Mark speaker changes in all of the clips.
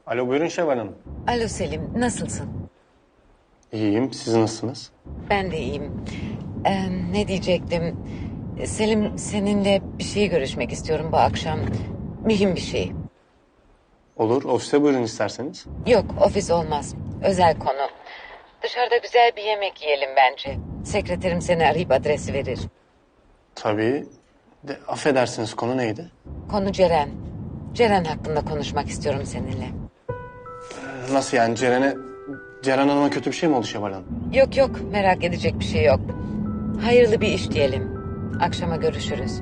Speaker 1: Alo, buyurun Şevval Hanım.
Speaker 2: Alo Selim, nasılsın?
Speaker 1: İyiyim, siz nasılsınız?
Speaker 2: Ben de iyiyim. Ne diyecektim? Selim, seninle bir şey görüşmek istiyorum bu akşam. Mühim bir şey.
Speaker 1: Olur, ofise buyurun isterseniz.
Speaker 2: Yok, ofis olmaz. Özel konu. Dışarıda güzel bir yemek yiyelim bence. Sekreterim seni arayıp adresi verir.
Speaker 1: Tabii. De, affedersiniz, konu neydi?
Speaker 2: Konu Ceren. Ceren hakkında konuşmak istiyorum seninle.
Speaker 1: Nasıl yani, Ceren Hanım'a kötü bir şey mi oldu Şevval Hanım?
Speaker 2: Yok yok, merak edecek bir şey yok. Hayırlı bir iş diyelim. Akşama görüşürüz.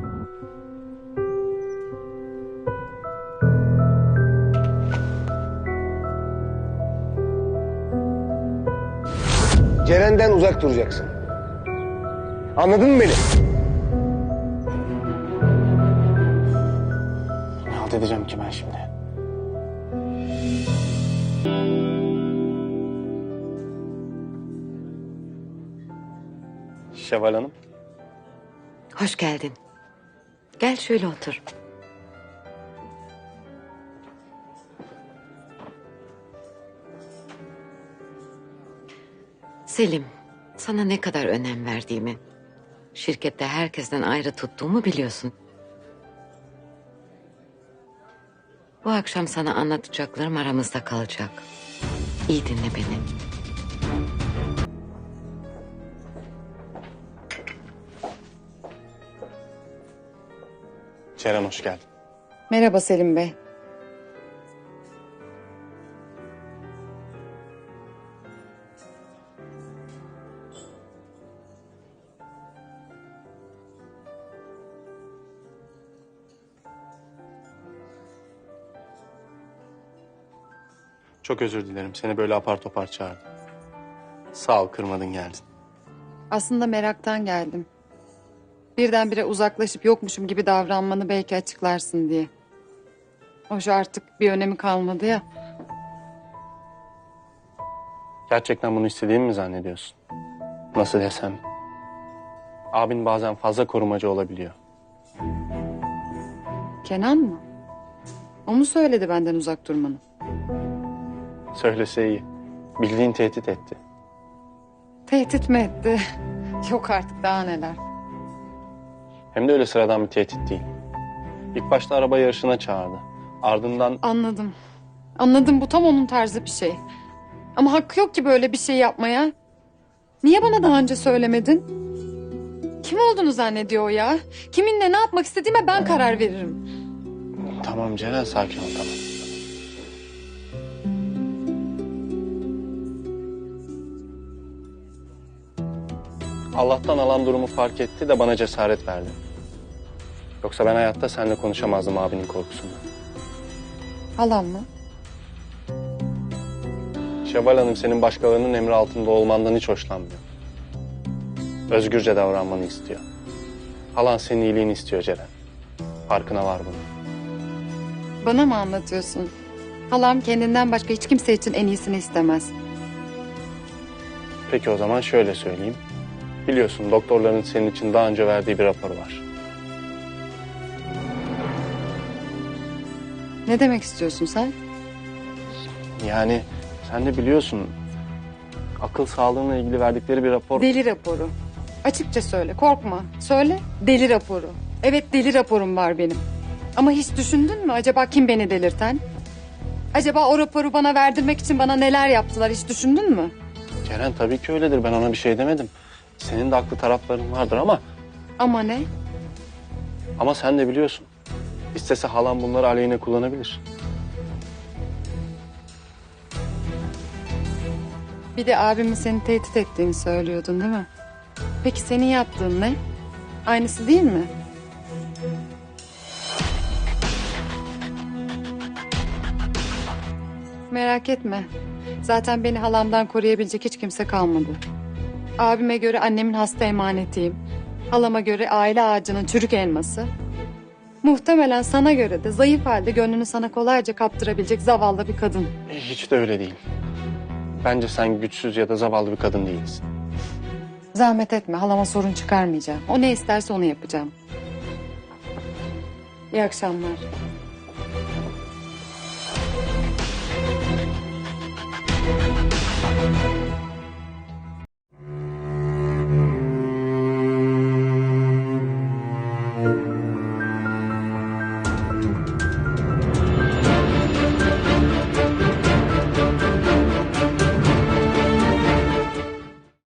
Speaker 3: Ceren'den uzak duracaksın. Anladın mı beni?
Speaker 1: Ne halt edeceğim ki ben şimdi? Şevval Hanım.
Speaker 2: Hoş geldin. Gel şöyle otur. Selim, sana ne kadar önem verdiğimi, şirkette herkesten ayrı tuttuğumu biliyorsun. Bu akşam sana anlatacaklarım aramızda kalacak. İyi dinle beni.
Speaker 1: Ceren hoş geldin.
Speaker 4: Merhaba Selim Bey.
Speaker 1: Çok özür dilerim, seni böyle apar topar çağırdım. Sağ ol, kırmadın geldin.
Speaker 4: Aslında meraktan geldim. Birdenbire uzaklaşıp yokmuşum gibi davranmanı belki açıklarsın diye. Hoş artık bir önemi kalmadı ya.
Speaker 1: Gerçekten bunu istediğimi mi zannediyorsun? Nasıl desem? Abin bazen fazla korumacı olabiliyor.
Speaker 4: Kenan mı? O mu söyledi benden uzak durmanı?
Speaker 1: Söylese iyi. Bildiğin tehdit etti.
Speaker 4: Tehdit mi etti? Yok artık daha neler.
Speaker 1: Hem de öyle sıradan bir tehdit değil. İlk başta araba yarışına çağırdı. Ardından
Speaker 4: Anladım. Anladım, bu tam onun tarzı bir şey. Ama hakkı yok ki böyle bir şey yapmaya. Niye bana daha önce söylemedin? Kim olduğunu zannediyor o ya? Kiminle ne yapmak istediğime ben karar veririm.
Speaker 1: tamam Ceren, sakin ol, tamam. Allah'tan alan durumu fark etti de bana cesaret verdi. Yoksa ben hayatta seninle konuşamazdım abinin korkusundan.
Speaker 4: Halam mı?
Speaker 1: Şevval Hanım senin başkalarının emri altında olmandan hiç hoşlanmıyor. Özgürce davranmanı istiyor. Halan senin iyiliğini istiyor Ceren. Farkına var bunun.
Speaker 4: Bana mı anlatıyorsun? Halam kendinden başka hiç kimse için en iyisini istemez.
Speaker 1: Peki o zaman şöyle söyleyeyim. Biliyorsun doktorların senin için daha önce verdiği bir rapor var.
Speaker 4: Ne demek istiyorsun sen?
Speaker 1: Yani sen de biliyorsun akıl sağlığına ilgili verdikleri bir rapor.
Speaker 4: Deli raporu. Açıkça söyle, korkma. Söyle, deli raporu. Evet, deli raporum var benim. Ama hiç düşündün mü acaba kim beni delirten? Acaba o raporu bana verdirmek için bana neler yaptılar, hiç düşündün mü?
Speaker 1: Ceren tabii ki öyledir, ben ona bir şey demedim. Senin de haklı tarafların vardır
Speaker 4: Ama ne?
Speaker 1: ama sen de biliyorsun. İstese halam bunları aleyhine kullanabilir.
Speaker 4: Bir de abimin seni tehdit ettiğini söylüyordun değil mi? Peki senin yaptığın ne? Aynısı değil mi? Merak etme. Zaten beni halamdan koruyabilecek hiç kimse kalmadı. Abime göre annemin hasta emanetiyim. Halama göre aile ağacının çürük elması. Muhtemelen sana göre de zayıf halde gönlünü sana kolayca kaptırabilecek zavallı bir kadın.
Speaker 1: Hiç de öyle değil. Bence sen güçsüz ya da zavallı bir kadın değilsin.
Speaker 4: Zahmet etme, halama sorun çıkarmayacağım. O ne isterse onu yapacağım. İyi akşamlar.